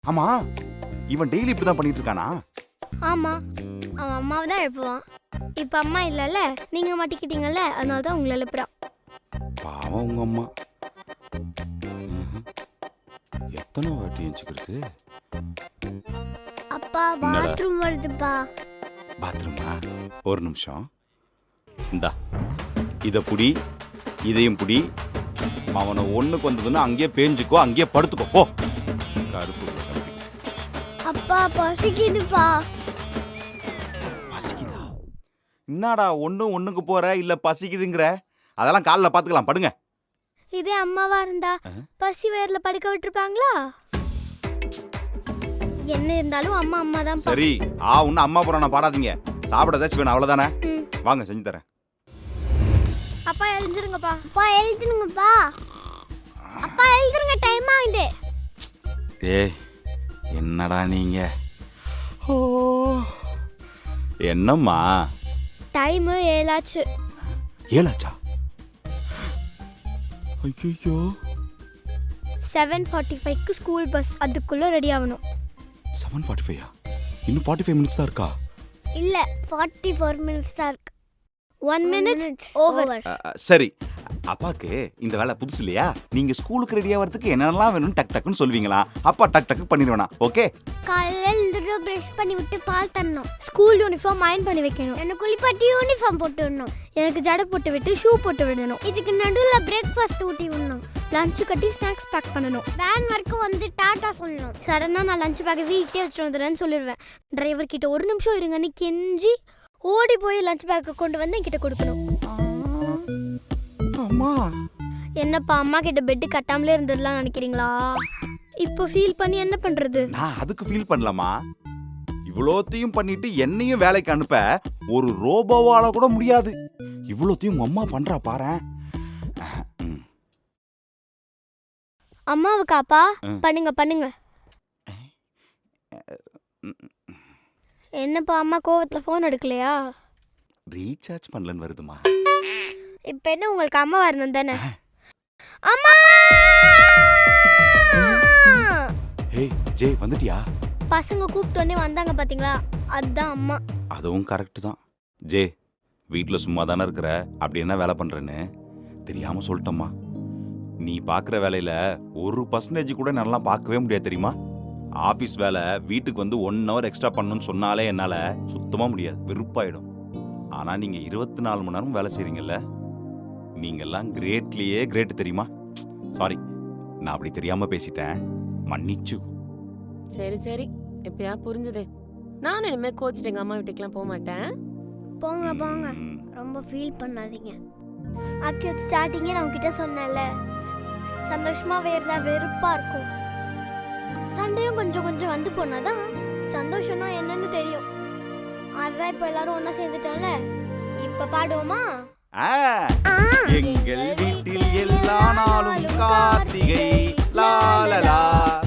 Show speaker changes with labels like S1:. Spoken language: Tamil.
S1: ஆமா, இவன் டெய்லி இப்படிதான் பண்ணிட்டு இருக்கானா?
S2: ஆமா, அவன் அம்மாவை தான் எழுப்புவான். இப்ப அம்மா இல்லைல்ல, நீங்க மாட்டிக்கிட்டீங்கல்ல, அதனால தான் உங்களை எழுப்புறான்.
S1: பாவம் உங்க அம்மா. எத்தனை வாட்டி எஞ்சிக்கிறது?
S2: அப்பா பாத்ரூம் வருதுப்பா.
S1: பாத்ரூமா? ஒரு நிமிஷம். இந்தா இதை புடி, இதையும் புடி. அவனை ஒண்ணுக்கு வந்ததுன்னா அங்கேயே பேஞ்சுக்கோ, அங்கேயே படுத்துக்கோ போ. கருப்பு
S2: அப்பா பசிக்குதுப்பா.
S1: பசிக்குதா? என்னடா ஒண்ணுக்கு போற இல்ல பசிக்குதுங்கிற? அதெல்லாம் காலைல பாத்துக்கலாம், படுங்க.
S2: இதே அம்மாவா இருந்தா பசி வேர்ல படுக்க விட்டுருப்பாங்களா? என்ன இருந்தாலும் அம்மா அம்மா தான்.
S1: சரி, ஒன்னும் அம்மா புறான பாடாதீங்க. சாப்பிட ஏதாச்சும் வேணும், அவ்வளவுதானே? வாங்க செஞ்சு தரேன்.
S2: அப்பா எழுந்துருங்கப்பா. அப்பா எழுந்துருங்கப்பா. அப்பா எழுந்துருங்க, டைம் ஆகுது.
S1: ஏய் என்னடா நீங்க? ஓ என்னம்மா?
S2: டைம் 7 ஆச்சு.
S1: 7 ஆச்சா? ஐயோ
S2: 7:45க்கு ஸ்கூல் பஸ், அதுக்குள்ள ரெடி ஆகணும்.
S1: 7:45? இன்னும் 45 மினிட்ஸ் தான் இருக்கா?
S2: இல்ல 44 மினிட்ஸ் தான் இருக்கு. 1 மினிட் ஓவர்.
S1: சரி, அப்பாக்கு இந்த வேலை புதுசு இல்லையா? நீங்க ஸ்கூலுக்கு ரெடி ஆகிறதுக்கு என்னெல்லாம் வேணும்னு டக் டக்குன்னு சொல்வீங்களா? அப்பா டக் டக்கு பண்ணிடுவேனா? ஓகே.
S2: காலையில எழுந்துட்டு பிரஷ் பண்ணி விட்டு பால் தரணும். ஸ்கூல் யூனிஃபார்ம் அயர்ன் பண்ணி வைக்கணும். எனக்கு குளிப்பாட்டி யூனிஃபார்ம் போட்டு விடணும். எனக்கு ஜடை போட்டு விட்டு ஷூ போட்டு விடணும். இதுக்கு நடுவுல பிரேக்ஃபாஸ்ட் ஊட்டி விடணும். லஞ்ச் கட்டி ஸ்நாக்ஸ் பேக் பண்ணணும். வேன் வரைக்கும் வந்து டாடா சொல்லணும். சடனா நான் லஞ்ச் பேக் வீட்லயே வச்சுட்டு வந்துடுறேன்னு சொல்லிடுவேன். டிரைவர் கிட்ட 1 நிமிஷம் இருங்கன்னு கெஞ்சி ஓடி போய் லஞ்ச் பேக்கை கொண்டு வந்து என்கிட்ட கொடுக்கணும்.
S1: அம்மா,
S2: என்னப்பா அம்மா கிட்ட பெட் கட்டாமலே இருந்துடலாம் நினைக்கிறீங்களா? இப்போ ஃபீல் பண்ணி என்ன பண்றது?
S1: நான் அதுக்கு ஃபீல் பண்ணலாமா? இவ்வளோத்தையும் பண்ணிட்டு என்னையும் வேலைக்கு அனுப்ப ஒரு ரோபோவால கூட முடியாது. இவ்வளோத்தையும் உங்க அம்மா பண்றா பாரு.
S2: அம்மாவுக்காப்பா பண்ணுங்க பண்ணுங்க. என்னப்பா அம்மா கோவத்துல ஃபோன் எடுக்கலையா?
S1: ரீசார்ஜ் பண்ணலன்னு வருதுமா.
S2: இப்போ என்ன உங்களுக்கு அம்மா வரணும் தானே? அம்மா!
S1: ஏய் ஜே, வந்துட்டியா?
S2: பசங்க கூப்பிட்டோன்னே வந்தாங்க பாத்தீங்களா, அதுதான் அம்மா.
S1: அதுவும் கரெக்ட் தான். ஜே, வீட்டில் சும்மா தானே இருக்கிற, அப்படி என்ன வேலை பண்றேன்னு தெரியாம சொல்லிட்டோம்மா. நீ பார்க்குற வேலையில 1% கூட நல்லா பார்க்கவே முடியாது தெரியுமா? ஆஃபீஸ் வேலை வீட்டுக்கு வந்து 1 hour எக்ஸ்ட்ரா பண்ணணும்னு சொன்னாலே என்னால் சுத்தமாக முடியாது, வெறுப்பாயிடும். ஆனால் நீங்கள் 24 மணி நேரம் வேலை செய்கிறீங்கல்ல, நீங்கள்லாம் கிரேட்லேயே கிரேட் தெரியுமா? சாரி, நான் அப்படி தெரியாமல் பேசிட்டேன், மன்னிச்சு.
S3: சரி சரி, இப்பயா புரிஞ்சுதே. நானும் இனிமேல் கோச்சிட்டு எங்கள் அம்மா வீட்டுக்கெலாம் போக மாட்டேன்.
S2: போங்க போங்க, ரொம்ப ஃபீல் பண்ணாதீங்க. அக்கி ஸ்டார்டிங்கே நான் உங்ககிட்ட சொன்னேன்ல, சந்தோஷமாவே இருந்தா வெறுப்பா இருக்கும். சண்டையும் கொஞ்சம் கொஞ்சம் வந்து போனாதான் சந்தோஷம்னா என்னன்னு தெரியும். அதான் இப்போ எல்லாரும் ஒன்னா சேர்ந்துட்டோம்ல. இப்ப பாடுவோமா?
S1: எங்கள் வீட்டில் எல்லா நாளும் கார்த்திகை லாலலா